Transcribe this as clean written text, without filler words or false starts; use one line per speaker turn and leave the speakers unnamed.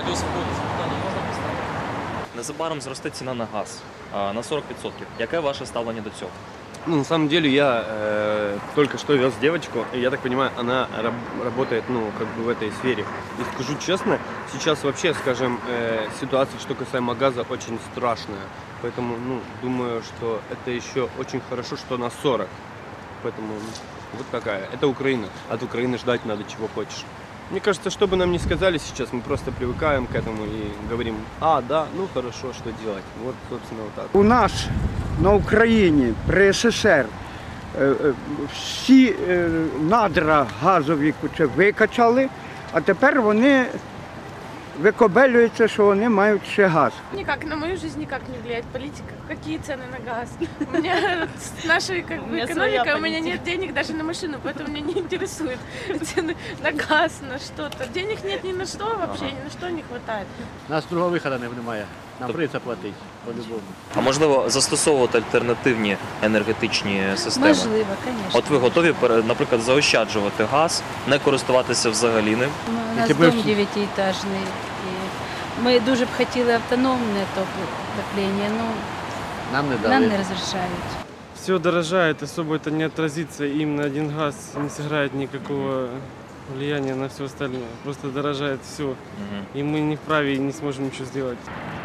Радіо Свободи, запитання можна поставити?
Незабаром зросте ціна на газ на 40%. Яке ваше ставлення до цього?
Ну, на самом деле я только что вез девочку, и я так понимаю, она работает, ну, как бы в этой сфере. И скажу честно, сейчас вообще, скажем, ситуация, что касаемо газа, очень страшная. Поэтому, ну, думаю, что это еще очень хорошо, что на 40. Поэтому вот такая. Это Украина. От Украины ждать надо чего хочешь. Мне кажется, что бы нам ни сказали сейчас, мы просто привыкаем к этому и говорим, да, ну хорошо, что делать. Вот, собственно, вот так.
У нас на Україні при СССР всі надра газові викачали, а тепер вони викобелюються, що вони мають ще газ.
Никак, на мою жизнь никак не влияет политика. Какие цены на газ? У меня с нашей экономикой, у меня нет денег даже на машину, поэтому меня не интересует цены на газ, на что-то. Денег нет ни на что вообще, ни на что не хватает.
У нас другого виходу немає. Нам прийдеться платити, по-любому.
А можливо, застосовувати альтернативні енергетичні системи?
Можливо, звісно.
От ви готові, наприклад, заощаджувати газ, не користуватися взагалі ним?
У нас дом 9-етажний. І ми дуже б хотіли автономне отоплення, але
Нам не
нам не
дали.
розрішають.
Все дорожает, особо это не отразится, и именно один газ не сыграет никакого влияния на все остальное. Просто дорожает все, и мы не вправе и не сможем ничего сделать.